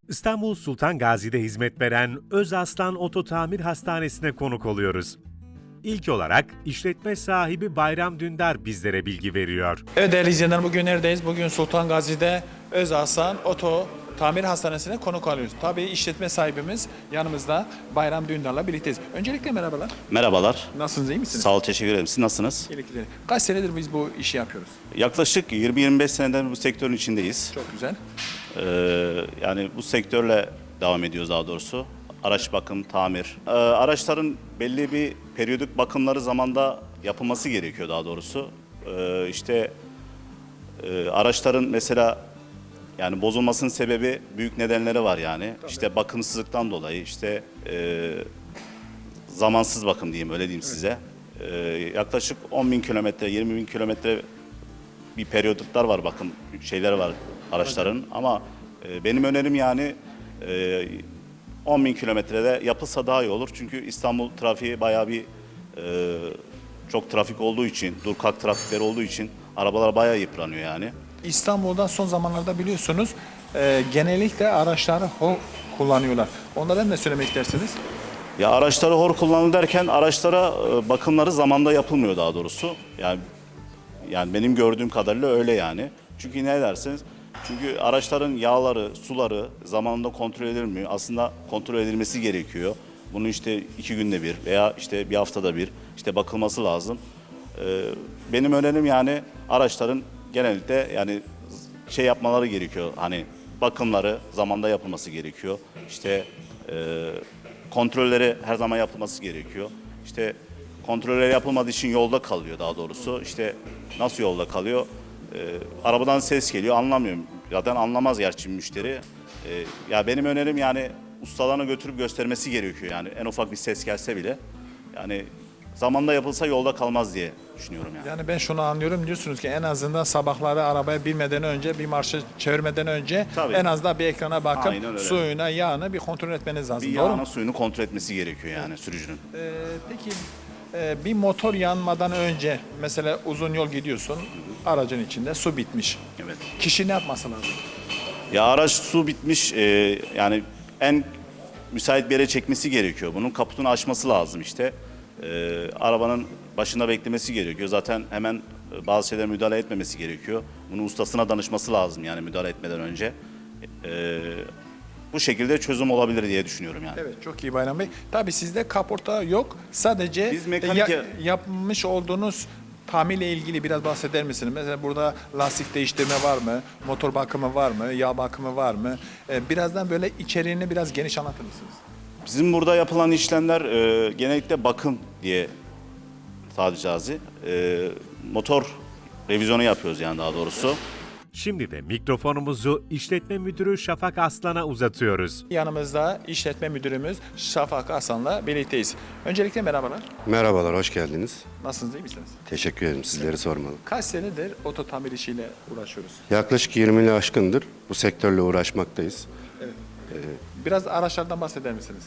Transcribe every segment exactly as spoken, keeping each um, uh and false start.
İstanbul Sultan Gazi'de hizmet veren Özaslan Ototamir Hastanesi'ne konuk oluyoruz. İlk olarak işletme sahibi Bayram Dündar bizlere bilgi veriyor. Evet değerli izleyenler, bugün neredeyiz? Bugün Sultan Gazi'de Özaslan Oto Tamir Hastanesi'ne konuk alıyoruz. Tabii işletme sahibimiz yanımızda, Bayram Dündar'la birlikteyiz. Öncelikle merhabalar. Merhabalar. Nasılsınız, iyi misiniz? Sağ ol, teşekkür ederim. Siz nasılsınız? İyilikler. Kaç senedir biz bu işi yapıyoruz? Yaklaşık yirmi yirmi beş seneden bu sektörün içindeyiz. Çok güzel. Ee, yani bu sektörle devam ediyoruz daha doğrusu. Araç bakım, tamir. Ee, araçların belli bir periyodik bakımları zamanda yapılması gerekiyor daha doğrusu. Ee, işte e, araçların mesela yani bozulmasının sebebi büyük nedenleri var yani. Tabii. İşte bakımsızlıktan dolayı, işte e, zamansız bakım diyeyim, öyle diyeyim evet. size. Ee, yaklaşık on bin kilometre, yirmi bin kilometre bir periyoduklar var, bakım şeyleri var araçların. Evet. Ama e, benim önerim yani e, on bin kilometrede yapılsa daha iyi olur. Çünkü İstanbul trafiği bayağı bir e, çok trafik olduğu için, dur kalk trafikleri olduğu için arabalar bayağı yıpranıyor yani. İstanbul'da son zamanlarda biliyorsunuz e, genellikle araçları hol kullanıyorlar. Onlara ne söylemek istersiniz? Ya araçları hor kullanılır derken araçlara e, bakımları zamanda yapılmıyor daha doğrusu. Yani yani benim gördüğüm kadarıyla öyle yani. Çünkü ne dersiniz? Çünkü araçların yağları, suları zamanında kontrol edilmiyor. Aslında kontrol edilmesi gerekiyor. Bunu işte iki günde bir veya işte bir haftada bir işte bakılması lazım. Ee, benim önerim yani araçların genellikle yani şey yapmaları gerekiyor. Hani bakımları zamanda yapılması gerekiyor. İşte e, kontrolleri her zaman yapılması gerekiyor. İşte kontrolleri yapılmadığı için yolda kalıyor daha doğrusu. İşte nasıl yolda kalıyor? Ee, arabadan ses geliyor, anlamıyorum. Zaten anlamaz gerçi müşteri. Ee, ya benim önerim yani ustalarına götürüp göstermesi gerekiyor yani, en ufak bir ses gelse bile. Yani zamanda yapılsa yolda kalmaz diye düşünüyorum yani. Yani ben şunu anlıyorum, diyorsunuz ki en azından sabahları arabaya binmeden önce, bir marşı çevirmeden önce Tabii. en azından bir ekrana bakıp suyuna, yağını bir kontrol etmeniz lazım. Bir doğru yağını, mu? suyunu kontrol etmesi gerekiyor yani evet. sürücünün. Ee, peki e, bir motor yanmadan önce mesela uzun yol gidiyorsun, aracın içinde su bitmiş. Evet. Kişi ne yapması lazım? Ya araç su bitmiş, e, yani en müsait bir yere çekmesi gerekiyor. Bunun kaputunu açması lazım işte. E, arabanın başında beklemesi gerekiyor. Zaten hemen e, bazı şeylere müdahale etmemesi gerekiyor. Bunu ustasına danışması lazım yani müdahale etmeden önce. E, bu şekilde çözüm olabilir diye düşünüyorum yani. Evet, çok iyi Bayram Bey. Tabii sizde kaporta yok. Sadece Biz mekanik ya, yapmış olduğunuz tamirle ilgili biraz bahseder misiniz? Mesela burada lastik değiştirme var mı? Motor bakımı var mı? Yağ bakımı var mı? Ee, birazdan böyle içeriğini biraz geniş anlatır mısınız? Bizim burada yapılan işlemler e, genellikle bakım diye tabiri caizse. E, motor revizyonu yapıyoruz yani daha doğrusu. Şimdi de mikrofonumuzu işletme müdürü Şafak Aslan'a uzatıyoruz. Yanımızda işletme müdürümüz Şafak Aslan'la birlikteyiz. Öncelikle merhabalar. Merhabalar, hoş geldiniz. Nasılsınız, iyi misiniz? Teşekkür ederim, sizleri sormalı. Kaç senedir oto tamir işiyle uğraşıyoruz? Yaklaşık yirmi yılı aşkındır bu sektörle uğraşmaktayız. Evet. Biraz araçlardan bahseder misiniz?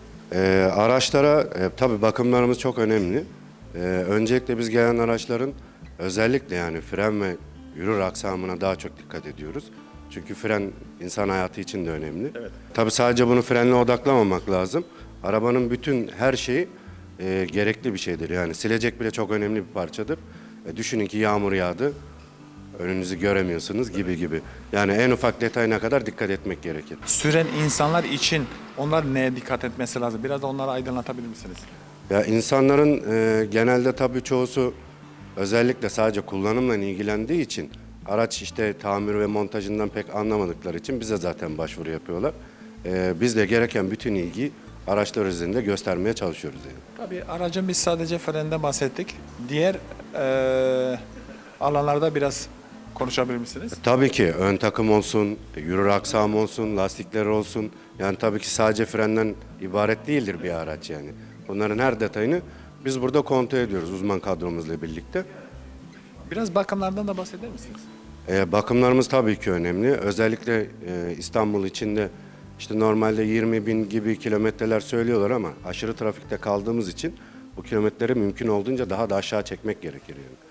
Ee, araçlara, e, tabii bakımlarımız çok önemli. Ee, öncelikle biz gelen araçların özellikle yani fren ve yürür aksamına daha çok dikkat ediyoruz. Çünkü fren insan hayatı için de önemli. Evet. Tabii sadece bunu frenle odaklamamak lazım. Arabanın bütün her şeyi e, gerekli bir şeydir. Yani silecek bile çok önemli bir parçadır. E, düşünün ki yağmur yağdı, önünüzü göremiyorsunuz gibi gibi. Yani en ufak detayına kadar dikkat etmek gerekir. Süren insanlar için onlar neye dikkat etmesi lazım? Biraz da onları aydınlatabilir misiniz? Ya insanların e, genelde tabii çoğusu özellikle sadece kullanımla ilgilendiği için araç işte tamir ve montajından pek anlamadıkları için bize zaten başvuru yapıyorlar. E, biz de gereken bütün ilgiyi araçlar üzerinde göstermeye çalışıyoruz yani. Tabii aracın biz sadece frenden bahsettik. Diğer e, alanlarda biraz konuşabilir misiniz? Tabii ki ön takım olsun, yürür aksam olsun, lastikler olsun. Yani tabii ki sadece frenden ibaret değildir bir araç yani. Bunların her detayını biz burada kontrol ediyoruz uzman kadromuzla birlikte. Biraz bakımlardan da bahseder misiniz? Ee, bakımlarımız tabii ki önemli. Özellikle e, İstanbul içinde işte normalde yirmi bin gibi kilometreler söylüyorlar ama aşırı trafikte kaldığımız için bu kilometreleri mümkün olduğunca daha da aşağı çekmek gerekir yani.